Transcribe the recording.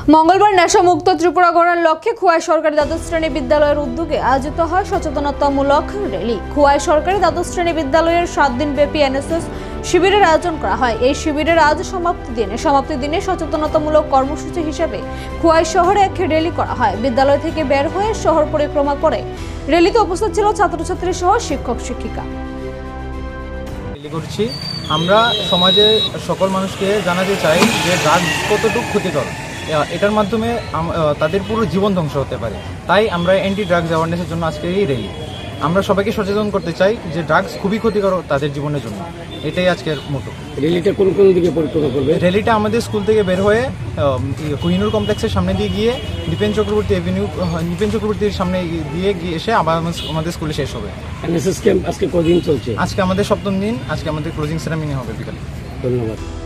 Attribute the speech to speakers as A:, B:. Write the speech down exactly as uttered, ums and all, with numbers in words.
A: মঙ্গলবার নেশামুক্ত ত্রিপুরা গড়ার লক্ষ্যে খোয়াই সরকারি দ্বাদশ শ্রেণী বিদ্যালয়ের উদ্যোগে আয়োজিত হয় সচেতনতামূলক র্যালি। খোয়াই সরকারি দ্বাদশ শ্রেণী বিদ্যালয়ের সাত দিন ব্যাপী এনএসএস শিবিরের আয়োজন করা হয়। এই শিবিরের আজ সমাপ্তি দিনে সমাপ্তি দিনে সচেতনতামূলক কর্মসূচি হিসেবে খোয়াই শহরে এক র্যালি করা হয়। বিদ্যালয় থেকে বের হয়ে শহর পরিক্রমা করে র্যালিতে উপস্থিত ছিল ছাত্রছাত্রী সহ শিক্ষক শিক্ষিকা।
B: করছি আমরা সমাজে সকল মানুষকে জানাতে চাই যে ড্রাগস কতটুকু ক্ষতিকর, এটার মাধ্যমে তাদের পুরো জীবন ধ্বংস হতে পারে। তাই আমরা অ্যান্টি ড্রাগস অ্যাওয়ারনেসের জন্য আজকে এই র্যালি। আমরা সবাইকে সচেতন করতে চাই যে ড্রাগস খুবই ক্ষতিকর তাদের জীবনের জন্য। এটাই আজকের মোটো।
C: র্যালিটা কোন কোন দিকে পরিক্রমা করবে?
B: র্যালিটা আমাদের স্কুল থেকে বের হয়ে কোহিনুর কমপ্লেক্সের সামনে দিয়ে গিয়ে দীপেন চক্রবর্তী এভিনিউ দীপেন চক্রবর্তীর সামনে দিয়ে গিয়ে এসে আবার আমাদের স্কুলে শেষ হবে।
C: এনএসএস ক্যাম্প আজকে কদিন চলছে?
B: আজকে আমাদের সপ্তম দিন। আজকে আমাদের ক্লোজিং সেরেমনি হবে বিকালে।
C: ধন্যবাদ।